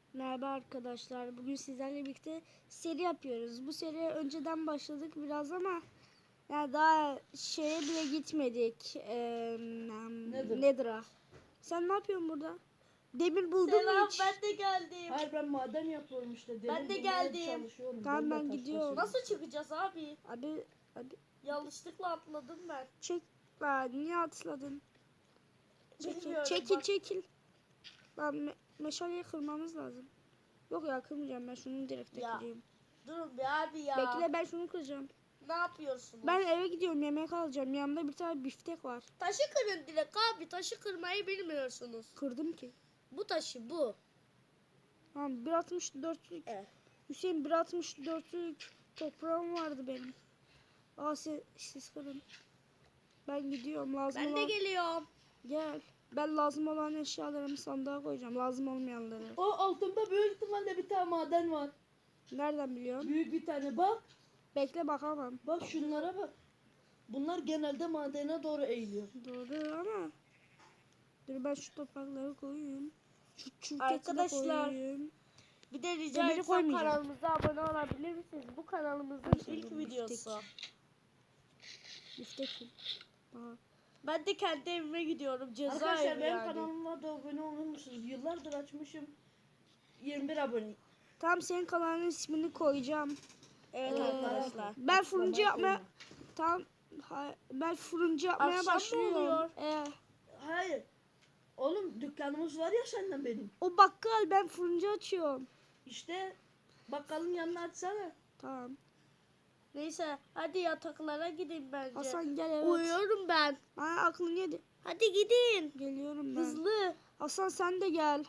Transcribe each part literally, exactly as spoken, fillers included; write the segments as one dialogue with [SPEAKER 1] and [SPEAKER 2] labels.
[SPEAKER 1] Merhaba arkadaşlar. Bugün sizlerle birlikte seri yapıyoruz. Bu seriye önceden başladık biraz ama yani daha şeye bile gitmedik. Ee,
[SPEAKER 2] Nedir?
[SPEAKER 1] Nedir'a. Sen ne yapıyorsun burada? Demir buldun mu
[SPEAKER 3] Selam,
[SPEAKER 1] hiç?
[SPEAKER 3] ben de geldim.
[SPEAKER 2] Hayır ben maden yapıyorum işte.
[SPEAKER 3] Ben de
[SPEAKER 2] Dedim bulmaya
[SPEAKER 3] geldim.
[SPEAKER 2] çalışıyorum.
[SPEAKER 1] Tamam,
[SPEAKER 2] de
[SPEAKER 1] ben
[SPEAKER 2] taş
[SPEAKER 1] gidiyorum.
[SPEAKER 2] basıyorum.
[SPEAKER 3] Nasıl çıkacağız abi?
[SPEAKER 1] Abi, abi
[SPEAKER 3] Yanlışlıkla atladım ben.
[SPEAKER 1] çek. Lan niye atladın? Çekil,
[SPEAKER 3] Bilmiyorum,
[SPEAKER 1] çekil,
[SPEAKER 3] bak.
[SPEAKER 1] çekil. Lan me meşaleyi kırmamız lazım. Yok ya, kırmayacağım, ben şunu direkt
[SPEAKER 3] Ya.
[SPEAKER 1] kırayım.
[SPEAKER 3] Durun bir abi ya.
[SPEAKER 1] Bekle, ben şunu kıracağım.
[SPEAKER 3] Ne yapıyorsunuz?
[SPEAKER 1] Ben eve gidiyorum, yemek alacağım. Yanımda bir tane biftek var.
[SPEAKER 3] Taşı kırın direkt abi. Taşı kırmayı bilmiyorsunuz.
[SPEAKER 1] Kırdım ki.
[SPEAKER 3] Bu taşı bu.
[SPEAKER 1] Tamam, bir altmış dörtlük.
[SPEAKER 3] Evet.
[SPEAKER 1] Hüseyin, bir altmış dörtlük toprağım vardı benim. Aa, siz, siz kırın. Ben gidiyorum, lazım
[SPEAKER 3] Ben
[SPEAKER 1] olan...
[SPEAKER 3] de geliyorum.
[SPEAKER 1] Gel. Ben lazım olan eşyalarımı sandığa koyacağım. Lazım olmayanları.
[SPEAKER 2] O altında büyük ihtimalle bir tane maden var.
[SPEAKER 1] Nereden biliyorsun?
[SPEAKER 2] Büyük bir tane bak.
[SPEAKER 1] Bekle, bakamam.
[SPEAKER 2] Bak şunlara bak. Bunlar genelde madene doğru eğiliyor.
[SPEAKER 1] Doğru ama... Dur, ben şu toprakları koyayım. Şu çürketi de
[SPEAKER 3] Arkadaşlar,
[SPEAKER 1] koyayım.
[SPEAKER 3] Bir de rica
[SPEAKER 1] Demiri
[SPEAKER 3] etsem
[SPEAKER 1] koymayacağım.
[SPEAKER 3] kanalımıza abone olabilir misiniz? Bu kanalımızın
[SPEAKER 1] Arkadaşlar,
[SPEAKER 3] ilk
[SPEAKER 1] bu
[SPEAKER 3] videosu.
[SPEAKER 1] Biftek. Aa.
[SPEAKER 3] Ben de kendi evime gidiyorum. Cezaevi
[SPEAKER 2] Arkadaşlar benim
[SPEAKER 3] yani.
[SPEAKER 2] kanalıma da abone olur musunuz? Yıllardır açmışım. yirmi bir abone.
[SPEAKER 1] Tamam, senin kanalının ismini koyacağım.
[SPEAKER 3] Evet
[SPEAKER 1] Ee,
[SPEAKER 3] arkadaşlar.
[SPEAKER 1] Ben fırıncı
[SPEAKER 2] Açıklamaya
[SPEAKER 1] yapmaya...
[SPEAKER 2] koyma.
[SPEAKER 1] Tamam. ha- Ben fırıncı yapmaya
[SPEAKER 3] Akşam mı
[SPEAKER 1] başlıyorum.
[SPEAKER 3] oluyor?
[SPEAKER 1] Ee,
[SPEAKER 2] Hayır. Oğlum dükkanımız var ya senden benim.
[SPEAKER 1] o bakkal, ben fırıncı açıyorum.
[SPEAKER 2] İşte bakkalın yanına açsana.
[SPEAKER 1] Tamam.
[SPEAKER 3] Neyse hadi yataklara gidin bence.
[SPEAKER 1] Hasan gel, evet.
[SPEAKER 3] Uyuyorum ben.
[SPEAKER 1] Ha, aklın yedi.
[SPEAKER 3] Hadi gidin.
[SPEAKER 1] Geliyorum ben.
[SPEAKER 3] Hızlı.
[SPEAKER 1] Hasan sen de gel.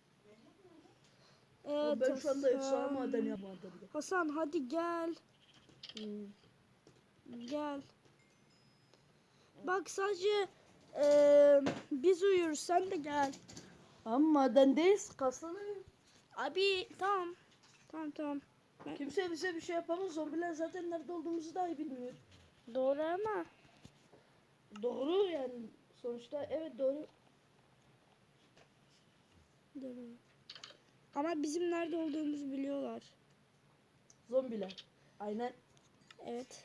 [SPEAKER 1] Evet,
[SPEAKER 2] ben şu anda efsane
[SPEAKER 1] Hasan.
[SPEAKER 2] maden yapmadım.
[SPEAKER 1] Hasan hadi gel.
[SPEAKER 2] Hmm.
[SPEAKER 1] Gel. Bak sadece eee, biz uyuyoruz, sen de gel.
[SPEAKER 2] Ama madendeyiz. Kaslanıyor.
[SPEAKER 1] Abi tamam. Tamam tamam.
[SPEAKER 2] Kimse bize bir şey yapamaz. Zombiler zaten nerede olduğumuzu dahi bilmiyor.
[SPEAKER 1] Doğru ama.
[SPEAKER 2] Doğru yani. Sonuçta evet doğru.
[SPEAKER 1] Doğru. Ama bizim nerede olduğumuzu biliyorlar.
[SPEAKER 2] Zombiler. Aynen.
[SPEAKER 1] Evet.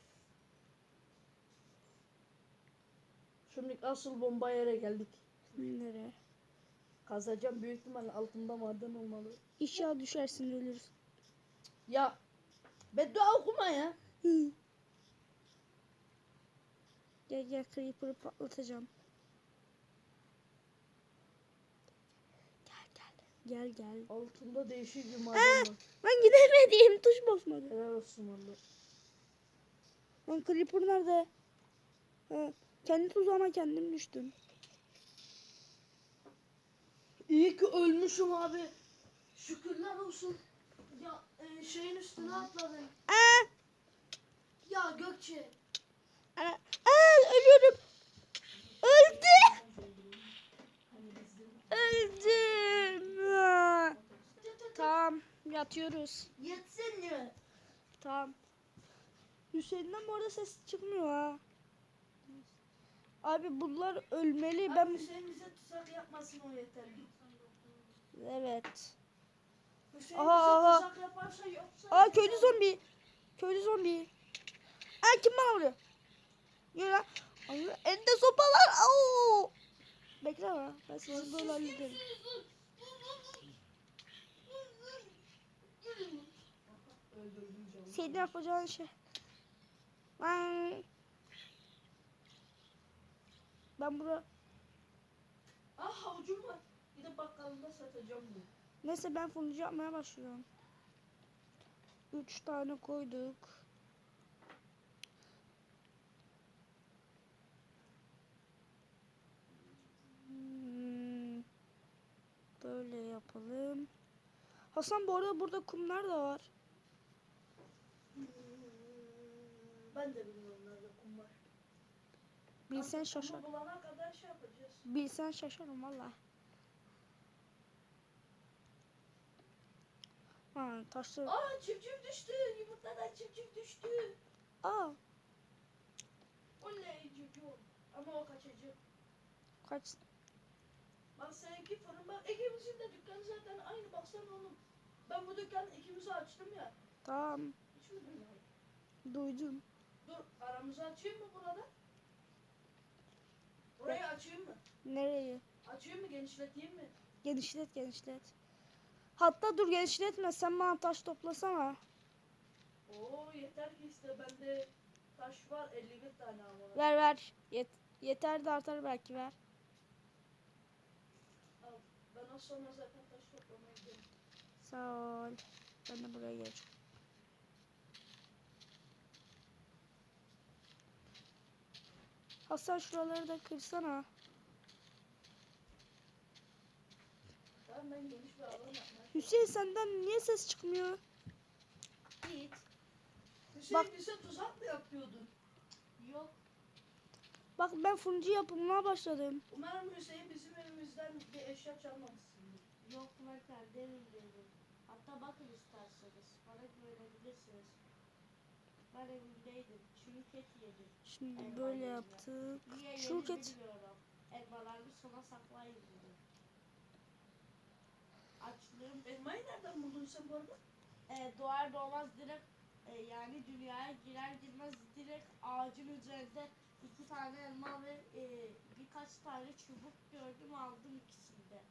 [SPEAKER 2] Şimdi asıl bomba yere geldik.
[SPEAKER 1] Nereye?
[SPEAKER 2] Kazacağım, büyük ihtimalle altında maden olmalı.
[SPEAKER 1] İnşallah düşersin, ölürsün.
[SPEAKER 2] Ya beddua okuma ya.
[SPEAKER 1] Hı. Gel gel, creeper'ı patlatacağım. Gel gel. Gel gel.
[SPEAKER 2] Altında değişik bir maden var.
[SPEAKER 1] Ben gidemedim. Tuş basmadı.
[SPEAKER 2] Helal olsun valla.
[SPEAKER 1] Lan creeper nerede? Ha, kendi tuzağıma kendim düştüm.
[SPEAKER 2] İyi ki ölmüşüm abi. Şükürler olsun. Ya e, şeyin üstüne atladın.
[SPEAKER 1] Aa!
[SPEAKER 2] Ya Gökçe.
[SPEAKER 1] Aa, aa, ölüyorum. Öldüm. Öldüm. Aa. Tamam, yatıyoruz.
[SPEAKER 2] Yetsin mi?
[SPEAKER 1] Tamam. Hüseyin'den bu arada ses çıkmıyor ha. Abi bunlar ölmeli.
[SPEAKER 2] Ben...
[SPEAKER 1] Ben
[SPEAKER 2] Abi Hüseyin bize tuzak yapmasın, o yeterli.
[SPEAKER 1] evet.
[SPEAKER 2] Hüseyin
[SPEAKER 1] Aha,
[SPEAKER 2] bize
[SPEAKER 1] aha.
[SPEAKER 2] tuzak yaparsa yoksa...
[SPEAKER 1] Aa, köylü zombi. Köylü zombi. Aa, kim bana vuruyor? Yürü lan. Ay, elinde sopalar. Au. Bekle ama. Ben sizi böyle hallederim. Senin yapacağın şey. Ben, ben burada.
[SPEAKER 2] Ah havucum var. Bir de bakkalında satacağım bunu.
[SPEAKER 1] Neyse, ben fırıncı yapmaya başlıyorum. Üç tane koyduk. Hmm, böyle yapalım. Hasan, bu arada burada kumlar da var.
[SPEAKER 2] Ben de bilmiyorum nerede kum var.
[SPEAKER 1] Bilsen
[SPEAKER 2] Artık
[SPEAKER 1] şaşar.
[SPEAKER 2] kumu bulana kadar şey yapacağız.
[SPEAKER 1] Bilsen şaşarım valla. Ha, taşlı.
[SPEAKER 2] Aa çiftçik düştü. Yumurtadan çiftçik düştü.
[SPEAKER 1] Aa,
[SPEAKER 2] Oley cücüğüm. Ama o kaçacak.
[SPEAKER 1] kaç.
[SPEAKER 2] Bak seninki fırın bak. Ege'mizin de dükkanı zaten aynı baksana. baksana oğlum. Ben bu dükkanı ikimizi açtım ya.
[SPEAKER 1] Tamam.
[SPEAKER 2] Hiç mi duymadın?
[SPEAKER 1] Duydum.
[SPEAKER 2] Dur aramızı açayım mı burada? Burayı açayım mı?
[SPEAKER 1] Nereyi?
[SPEAKER 2] Açayım mı genişleteyim mi?
[SPEAKER 1] Genişlet genişlet. Hatta dur genişletme. Sen bana taş toplasana.
[SPEAKER 2] Oo yeter ki işte bende taş var elli bir tane ama.
[SPEAKER 1] Ver ver. Yet yeter de artar belki ver.
[SPEAKER 2] Al. Ben az sonra zaten taş toplamaya gidelim.
[SPEAKER 1] Sağ ol. Ben de buraya geç. Hasan şuraları da kırsana.
[SPEAKER 2] Tamam ben geniş bir alan yapmaya
[SPEAKER 1] Hüseyin senden niye ses çıkmıyor?
[SPEAKER 2] Git. Hüseyin
[SPEAKER 1] Bak-
[SPEAKER 2] bize tuzak mı yapıyordun?
[SPEAKER 3] Yok.
[SPEAKER 1] Bak ben fırıncı yapımına başladım.
[SPEAKER 2] Umarım Hüseyin bizim evimizden bir eşya çalmamışsındır.
[SPEAKER 3] Yok ben kendi evimdeydim. Hatta bakın isterseniz. Bana güvenebilirsiniz. Ben evimdeydim. Çünkü et yedim.
[SPEAKER 1] Şimdi
[SPEAKER 3] Elma
[SPEAKER 1] böyle
[SPEAKER 3] yiyeceğim.
[SPEAKER 1] yaptık.
[SPEAKER 3] Niye
[SPEAKER 1] Şu
[SPEAKER 3] yedim
[SPEAKER 1] ket.
[SPEAKER 3] bilmiyorum. Elmalarını sona saklayın dedim. Açlığım
[SPEAKER 2] Elmayı nereden buldun sen bu arada?
[SPEAKER 3] e, doğar doğmaz direkt e, yani dünyaya girer girmez direkt ağacın üzerinde iki tane elma ve e, birkaç tane çubuk gördüm aldım ikisini de.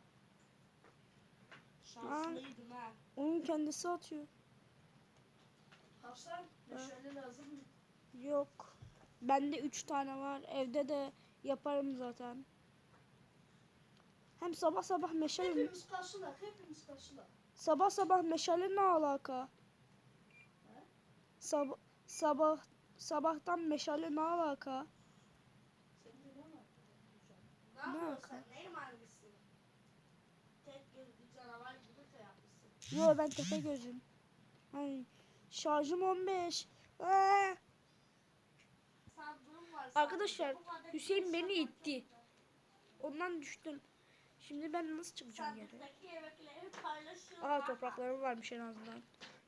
[SPEAKER 3] Şanslıydım ha.
[SPEAKER 1] Onun kendisi atıyor.
[SPEAKER 2] Hasan meşale lazım mı?
[SPEAKER 1] Yok. Bende üç tane var. Evde de yaparım zaten. Hem sabah sabah meşale mi?
[SPEAKER 2] Hepimiz karşılar, hepimiz karşılar.
[SPEAKER 1] Sabah sabah meşale ne alaka?
[SPEAKER 2] He?
[SPEAKER 1] Sabah sabah sabahtan meşale ne alaka?
[SPEAKER 2] Sen de ne var?
[SPEAKER 3] Ne
[SPEAKER 1] Ne
[SPEAKER 3] yapıyorsun
[SPEAKER 1] alaka?
[SPEAKER 3] sen? Neyin hangisi? Tek gözlü canavar gibi de yapmışsın.
[SPEAKER 1] Yo ben tepe gözüm. Hani şarjım on beş. Ee,
[SPEAKER 3] Sandığım var.
[SPEAKER 1] Arkadaşlar,
[SPEAKER 3] sadece. Bu kadar
[SPEAKER 1] Hüseyin beni
[SPEAKER 3] insan var, çok
[SPEAKER 1] itti.
[SPEAKER 3] güzel.
[SPEAKER 1] ondan düştüm. Şimdi ben nasıl çıkacağım geri?
[SPEAKER 3] Sandıktaki yemekleri paylaşın.
[SPEAKER 1] Aa topraklarım varmış en azından.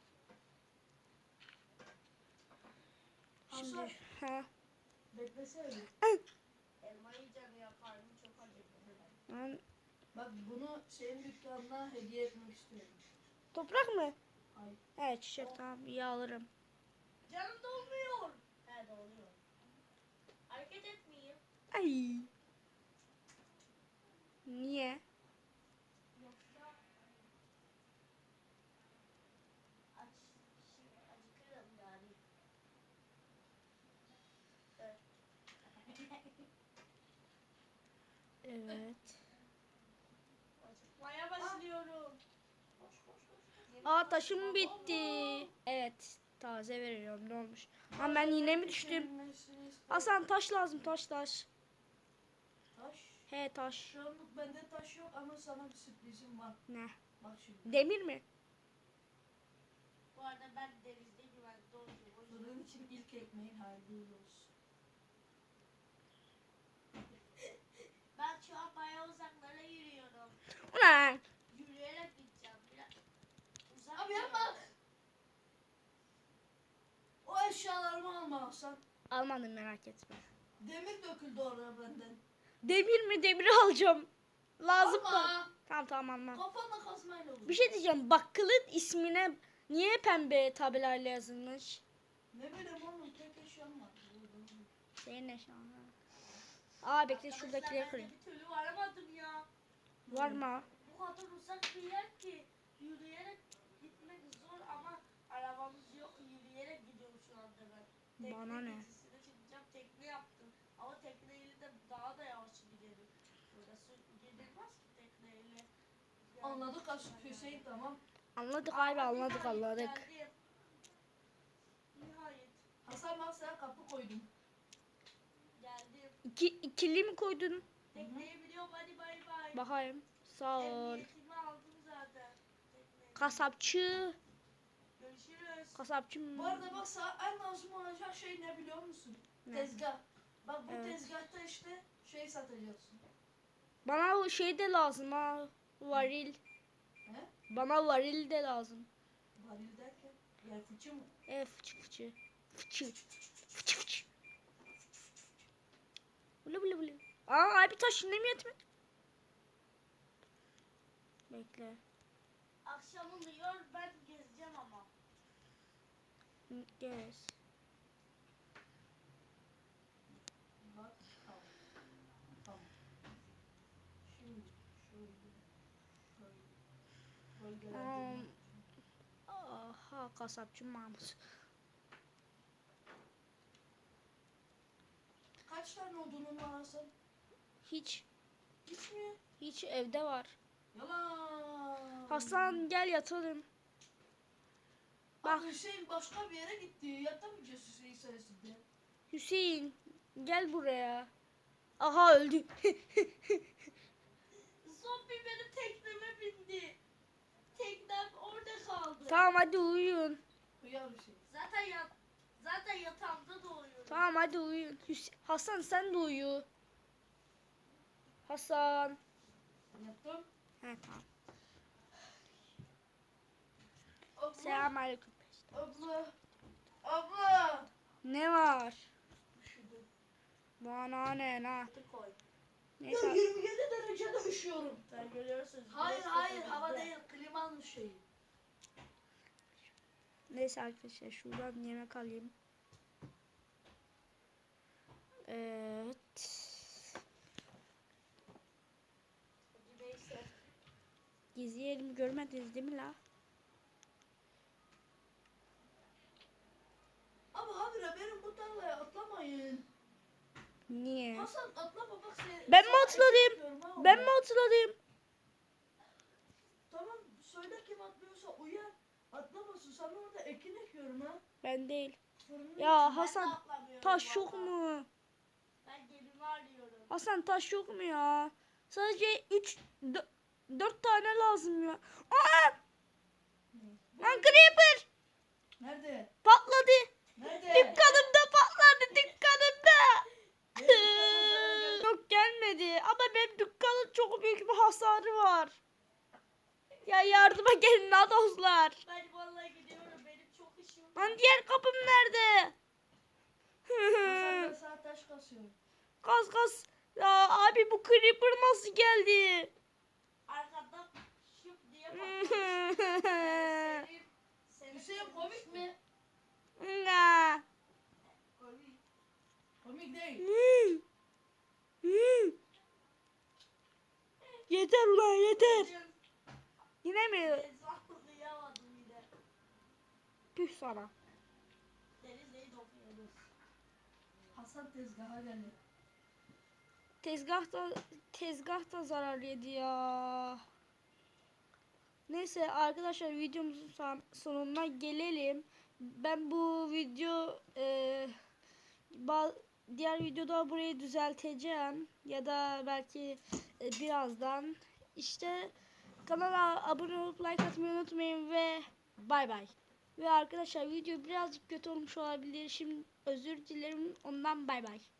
[SPEAKER 2] Hasan,
[SPEAKER 1] Şimdi ha.
[SPEAKER 2] beklesene bir.
[SPEAKER 3] Elma yiyeceğim ya karnım çok acıktı.
[SPEAKER 1] Ben,
[SPEAKER 2] Bak bunu senin dükkanına hediye etmek istiyorum.
[SPEAKER 1] toprak mı?
[SPEAKER 2] Ay.
[SPEAKER 1] Evet çiçek tamam iyi alırım.
[SPEAKER 3] Canım dolmuyor. He doluyor. Hareket etmeyeyim.
[SPEAKER 1] Ay. Niye?
[SPEAKER 3] Yoksa aç, şey, acıkırım yani. Evet.
[SPEAKER 1] Evet.
[SPEAKER 3] Acıkmaya başlıyorum.
[SPEAKER 2] Koş koş koş.
[SPEAKER 1] Aa taşım bitti. Evet taze veriyorum ne olmuş? Ama ben yine mi düştüm? Hasan taş lazım taş taş.
[SPEAKER 2] Taş.
[SPEAKER 1] He taş.
[SPEAKER 2] Şu anlık bende taş yok ama sana bir sürprizim var.
[SPEAKER 1] Ne?
[SPEAKER 2] Bak şimdi.
[SPEAKER 1] Demir mi?
[SPEAKER 3] Bu arada ben denizde güvende oldum. O yüzden-
[SPEAKER 2] Fırın için ilk ekmeğin hayırlı olsun.
[SPEAKER 3] Ben şu an bayağı uzaklara yürüyorum.
[SPEAKER 1] Ulan.
[SPEAKER 3] Yürüyerek gideceğim. Biraz uzak
[SPEAKER 2] Abi
[SPEAKER 3] bir
[SPEAKER 2] yapma.
[SPEAKER 3] yere.
[SPEAKER 2] O eşyalarımı alma Hasan.
[SPEAKER 1] Almadım merak etme.
[SPEAKER 2] Demir döküldü oraya benden.
[SPEAKER 1] Demir mi? Demiri alacağım. Lazım mı?
[SPEAKER 2] Ama
[SPEAKER 1] Tamam tamam almam.
[SPEAKER 2] kafanla kazmayla olur.
[SPEAKER 1] Bir şey diyeceğim. Bakkalın ismine niye pembe tabelayla yazılmış?
[SPEAKER 2] Ne bileyim oğlum tek eşyam var.
[SPEAKER 1] Senin ne şanı? Aa bekle
[SPEAKER 3] Arkadaşlar,
[SPEAKER 1] şuradakileri
[SPEAKER 3] ben
[SPEAKER 1] kırayım.
[SPEAKER 3] de bir türlü varamadım ya.
[SPEAKER 1] Var mı?
[SPEAKER 3] Bu kadar uzak bir yer ki yürüyerek gitmek zor ama arabamız yok. Yürüyerek gidiyorum şu anda ben. Tekne
[SPEAKER 1] Bana ne?
[SPEAKER 3] gezisine çıkacağım. Tekne yaptım. Ama tekneyle de daha da yavaş gidelim. Burası gidilmez ki tekneyle. Yani
[SPEAKER 2] Anladık As-
[SPEAKER 3] yani.
[SPEAKER 2] Hüseyin tamam.
[SPEAKER 1] Anladık
[SPEAKER 3] Aa,
[SPEAKER 1] abi anladık
[SPEAKER 3] nihayet
[SPEAKER 1] anladık.
[SPEAKER 3] geldim. Nihayet
[SPEAKER 2] Hasan bak sana kapı koydum.
[SPEAKER 3] geldim.
[SPEAKER 1] İki, ikili mi koydun?
[SPEAKER 3] Tekneyi biliyorum hadi bay bay.
[SPEAKER 1] Bakayım. Sağ ol.
[SPEAKER 3] Emniyetimi aldım zaten. Tekneyi.
[SPEAKER 1] Kasapçı.
[SPEAKER 3] Görüşürüz.
[SPEAKER 1] Kasapçı mı?
[SPEAKER 2] Bu arada bak sana en lazım olacak şey ne biliyor musun?
[SPEAKER 1] Ne?
[SPEAKER 2] Tezgah. Bak bu
[SPEAKER 1] Evet.
[SPEAKER 2] tezgahta işte şey satacaksın.
[SPEAKER 1] Bana o şey de lazım ha. Varil.
[SPEAKER 2] He?
[SPEAKER 1] Bana varil de lazım.
[SPEAKER 2] Varil derken yer fıçı mı?
[SPEAKER 1] E fıçı fıçı. Fıçı. Fıçı fıçı. Bulu bulu bulu. Aa abi taş şimdi mi yetmedi? Bekle.
[SPEAKER 3] akşam oluyor ben gezeceğim ama.
[SPEAKER 1] Gez.
[SPEAKER 2] Bak tamam. Tamam. Şimdi şöyle. Şöyle. Bölgeler.
[SPEAKER 1] Um, aha kasapçı Mahmut.
[SPEAKER 2] Kaç tane odunun var Hasan?
[SPEAKER 1] Hiç.
[SPEAKER 2] Hiç mi?
[SPEAKER 1] Hiç evde var.
[SPEAKER 2] Yalan.
[SPEAKER 1] Hasan gel yatalım.
[SPEAKER 2] Bak
[SPEAKER 1] Bak
[SPEAKER 2] Hüseyin başka bir yere gitti. Yatamayacağız Hüseyin sayesinde.
[SPEAKER 1] Hüseyin gel buraya. Aha öldü.
[SPEAKER 3] Zombi benim tekneme bindi. Teknem orada kaldı.
[SPEAKER 1] Tamam hadi uyuyun.
[SPEAKER 2] Hıyar Hüseyin.
[SPEAKER 3] Zaten yat zaten yatağımda doğuyorum.
[SPEAKER 1] Tamam hadi uyuyun. Hüs- Hasan sen de uyu. Hasan.
[SPEAKER 2] Yattım.
[SPEAKER 1] He tamam.
[SPEAKER 2] Abla.
[SPEAKER 1] Selamünaleyküm.
[SPEAKER 2] Abla. Abla.
[SPEAKER 1] Ne var?
[SPEAKER 2] Üşüdüm.
[SPEAKER 1] Bana ne la?
[SPEAKER 3] Hadi koy.
[SPEAKER 2] Ya
[SPEAKER 1] Neyse.
[SPEAKER 2] yirmi yedi derecede üşüyorum.
[SPEAKER 3] Sen görüyorsun.
[SPEAKER 2] Hayır
[SPEAKER 3] güneş
[SPEAKER 2] hayır
[SPEAKER 3] tepemizde.
[SPEAKER 2] hava değil klimanın şeyi.
[SPEAKER 1] Neyse arkadaşlar şuradan yemek alayım. Evet.
[SPEAKER 3] Neyse.
[SPEAKER 1] Gizli yerimi görmediniz değil mi la?
[SPEAKER 2] Ama habire benim bu tarlaya atlamayın.
[SPEAKER 1] Niye?
[SPEAKER 2] Hasan atlama bak sen.
[SPEAKER 1] Ben mi
[SPEAKER 2] sana
[SPEAKER 1] atladım?
[SPEAKER 2] ekmek diyorum ha
[SPEAKER 1] Ben
[SPEAKER 2] orada.
[SPEAKER 1] mi hatırladım?
[SPEAKER 2] Tamam söyle kim atlıyorsa uyar. Atlamasın sana orada ekin ekiyorum ha.
[SPEAKER 1] Ben değil.
[SPEAKER 2] Fırının
[SPEAKER 1] Ya
[SPEAKER 3] Ben de
[SPEAKER 1] Hasan
[SPEAKER 3] atlamıyorum
[SPEAKER 1] taş yok
[SPEAKER 3] valla.
[SPEAKER 1] mu?
[SPEAKER 3] Ben gemimi arıyorum.
[SPEAKER 1] Hasan taş yok mu ya? Sadece üç dört tane lazım ya. Aa!
[SPEAKER 2] içinde.
[SPEAKER 1] Lan creeper
[SPEAKER 2] Nerede?
[SPEAKER 1] patladı.
[SPEAKER 2] Nerede?
[SPEAKER 1] Dükkanımda patladı dükkanımda.
[SPEAKER 2] Benim kafamda gel-
[SPEAKER 1] Yok gelmedi ama benim dükkanın çok büyük bir hasarı var. Ya yardıma gelin la dostlar.
[SPEAKER 3] Ben vallahi gidiyorum. Benim çok işim var.
[SPEAKER 1] Lan diğer kapım nerede?
[SPEAKER 2] Hasan ben sana taş kasıyorum.
[SPEAKER 1] Kas kas. Ya abi bu creeper nasıl geldi?
[SPEAKER 3] Arkadan şıp diye patlamış. Senin, senin
[SPEAKER 2] Hüseyin komik mi?
[SPEAKER 1] Nga.
[SPEAKER 3] Komik.
[SPEAKER 2] Komik değil.
[SPEAKER 1] Yeter ulan yeter.
[SPEAKER 3] Deniz-
[SPEAKER 1] Yine mi?
[SPEAKER 3] Deniz atlayamadım yine.
[SPEAKER 1] Püh sana.
[SPEAKER 3] Deniz değil okyanus.
[SPEAKER 2] Hasan tezgaha geldi.
[SPEAKER 1] Tezgahta tezgahta zarar yedi ya. Neyse arkadaşlar videomuzun son- sonuna gelelim. Ben bu video e, ba- diğer videoda burayı düzelteceğim ya da belki e, birazdan işte kanala abone olup like atmayı unutmayın ve bay bay. Ve arkadaşlar video birazcık kötü olmuş olabilir. Şimdi özür dilerim ondan bay bay.